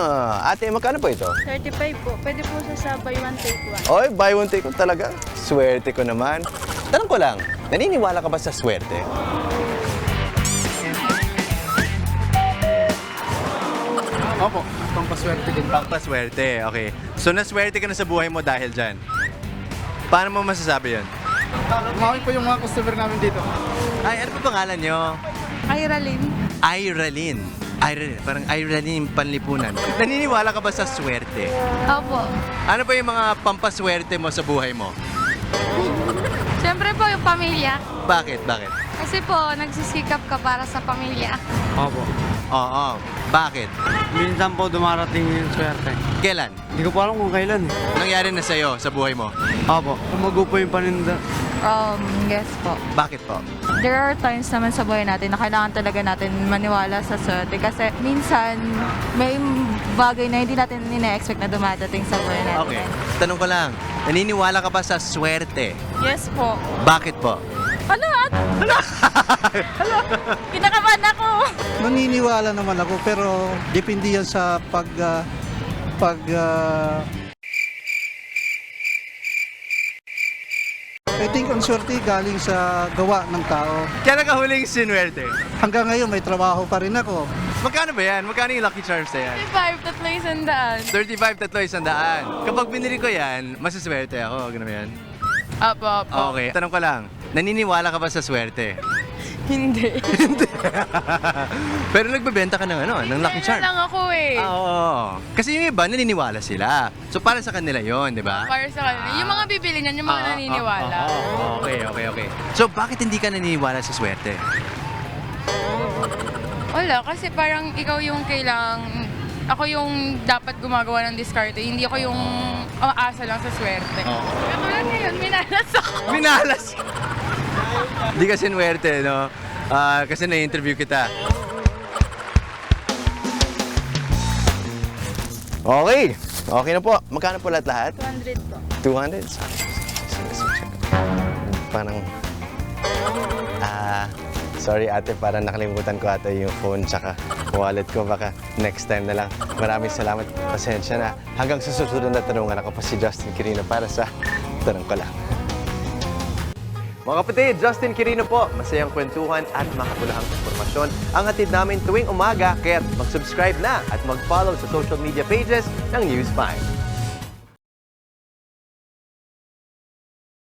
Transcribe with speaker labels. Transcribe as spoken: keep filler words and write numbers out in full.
Speaker 1: Ah, ate, magkano po ito?
Speaker 2: thirty-five po. Pwede po siya sa buy one take one.
Speaker 1: Oy, buy one take one talaga. Swerte ko naman. Tanong ko lang, naniniwala ka ba sa swerte?
Speaker 3: Opo, pampaswerte din.
Speaker 1: Pampaswerte, okay. So, naswerte ka na sa buhay mo dahil dyan. Paano mo masasabi yan?
Speaker 3: Umawin po yung mga customer namin dito.
Speaker 1: Ay, ano pa pangalan nyo?
Speaker 2: Iralyn.
Speaker 1: Iralyn. Iralyn, parang Iralyn panlipunan. Naniniwala ka ba sa swerte?
Speaker 2: Opo.
Speaker 1: Ano pa yung mga pampaswerte mo sa buhay mo?
Speaker 2: Siyempre po yung pamilya.
Speaker 1: Bakit? Bakit?
Speaker 2: Kasi po, nagsisikap ka para sa pamilya.
Speaker 3: Opo.
Speaker 1: Oo. Bakit?
Speaker 3: Minsan po dumarating yung swerte.
Speaker 1: Kailan?
Speaker 3: Hindi ko pa alam kung kailan.
Speaker 1: Nangyari na sa'yo sa buhay mo?
Speaker 3: Opo. Kumago po yung paninda.
Speaker 4: Um, yes po.
Speaker 1: Bakit po?
Speaker 4: There are times naman sa buhay natin na kailangan talaga natin maniwala sa swerte kasi minsan may bagay na hindi natin ina-expect na dumadating sa buhay natin.
Speaker 1: Okay. Tanong ko lang, naniniwala ka ba sa swerte?
Speaker 4: Yes po.
Speaker 1: Bakit po?
Speaker 4: Ano? Kinakabahan ako.
Speaker 5: Maniniwala naman ako pero depende yan sa pag ah, pag ah, I think ang swerte galing sa gawa ng tao.
Speaker 1: Kailan ka huling sinwerte?
Speaker 5: Hanggang ngayon may trabaho pa rin ako.
Speaker 1: Magkano ba yan? Magkano yung Lucky Charms na yan?
Speaker 2: thirty-five, tatlo isang daan.
Speaker 1: thirty-five, tatlo, isang daan. Kapag binili ko yan, masaswerte ako. Ganun ba yan?
Speaker 2: Opo, opo.
Speaker 1: Okay. Tanong ko lang, naniniwala ka ba sa swerte?
Speaker 2: Hindi.
Speaker 1: Pero nagbebenta ka ng ano, ng Lucky
Speaker 2: Kaya
Speaker 1: Charms.
Speaker 2: lang ako eh.
Speaker 1: Ah, oo. Kasi yung iba, naniniwala sila. So, para sa kanila yon, di ba?
Speaker 2: Para sa kanila. Yung mga bibili niyan, yung mga
Speaker 1: Ah,
Speaker 2: naniniwala.
Speaker 1: ah, ah, okay, okay, okay. So, bakit hindi ka naniniwala sa swerte?
Speaker 2: Wala, kasi parang ikaw yung kailang... Ako yung dapat gumagawa ng diskarte, hindi ako yung umaasa lang sa swerte.
Speaker 1: Oo.
Speaker 2: Katulad ngayon, minalas ako.
Speaker 1: Minalas! Hindi ka sinwerte, no? Ah, kasi na-interview kita. Okay. Okay na po. Magkano po lahat-lahat?
Speaker 2: two hundred po.
Speaker 1: two hundred? Parang... Ah... sorry ate, parang nakalimutan ko ata yung phone tsaka wallet ko. Baka next time na lang. Maraming salamat. Pasensya na. Hanggang sa susunod na tanungan, ako pa si Justin Quirino para sa Tanong Ko Lang. Mga kapatid, Justin Quirino po. Masayang kwentuhan at makapulahang informasyon ang hatid namin tuwing umaga. Kaya mag-subscribe na at mag-follow sa social media pages ng News five.